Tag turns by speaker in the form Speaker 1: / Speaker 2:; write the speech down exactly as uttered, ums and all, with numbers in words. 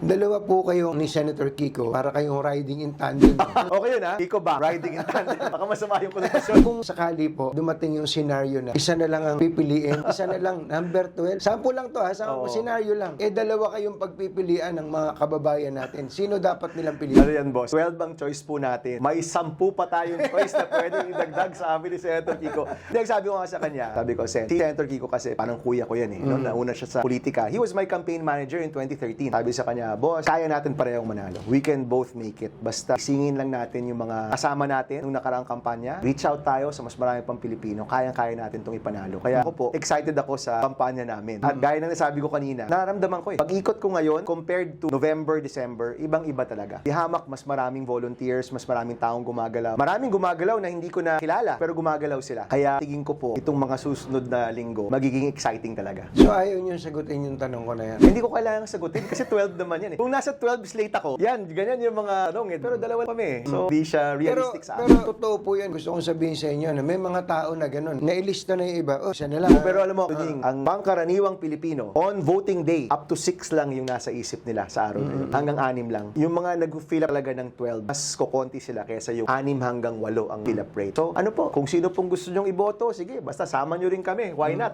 Speaker 1: Dalawa po kayo ni Senator Kiko para kayong riding in tandem.
Speaker 2: Okay yun ha? Kiko ba? Riding in tandem. Baka masama yung konotasyon.
Speaker 1: Kung sakali po dumating yung scenario na isa na lang ang pipiliin, isa na lang number twelve. Sample lang to ha, sample
Speaker 2: Oo.
Speaker 1: scenario lang. Eh dalawa kayong pagpipilian ng mga kababayan natin. Sino dapat nilang piliin?
Speaker 2: Ano yan, boss? twelve ang choice po natin. May sampu pa tayong choice na pwede idagdag sa amin ni Senator Kiko. Hindi, sabi ko nga sa kanya, sabi ko, Sen, si Senator Kiko kasi parang kuya ko yan eh. Noong nauna siya sa politika. He was my campaign manager in twenty thirteen. Sabi sa kanya, boss, kaya natin parehong manalo. We can both make it. Basta singin lang natin yung mga kasama natin nung nakaraang kampanya. Reach out tayo sa mas marami pang Pilipino. Kayang-kaya natin itong ipanalo. Kaya ako po, excited ako sa kampanya namin. At gaya ng nasabi ko kanina, nararamdaman ko eh. Pag-ikot ko ngayon, compared to November, December, ibang-iba talaga. Di hamak, mas maraming volunteers, mas maraming taong gumagalaw. Maraming gumagalaw na hindi ko na kilala, pero gumagalaw sila. Kaya tingin ko po, itong mga susunod na linggo, magiging exciting talaga.
Speaker 1: So ayaw niyo sagutin yung tanong ko na yan.
Speaker 2: Hindi ko kailangang sagutin kasi twelve naman yan eh. Kung nasa twelve slate ako, yan, ganyan yung mga tanong eh. Pero dalawa kami eh. So, hindi siya
Speaker 1: Pero,
Speaker 2: realistic sa
Speaker 1: pero
Speaker 2: akin.
Speaker 1: totoo po yan. Gusto kong sabihin sa inyo na may mga tao na ganun. Nailista na yung iba. Oh, siya na lang.
Speaker 2: Pero alam mo, Kunying, ang pangkaraniwang Pilipino, on voting day, up to six lang yung nasa isip nila sa araw na yun. Hanggang anim lang. Yung mga nag-fill up talaga ng twelve, mas kukonti sila kaysa yung anim hanggang walo ang fill up rate. So, ano po, kung sino pong gusto nyong iboto, sige, basta sama nyo rin kami. Why not?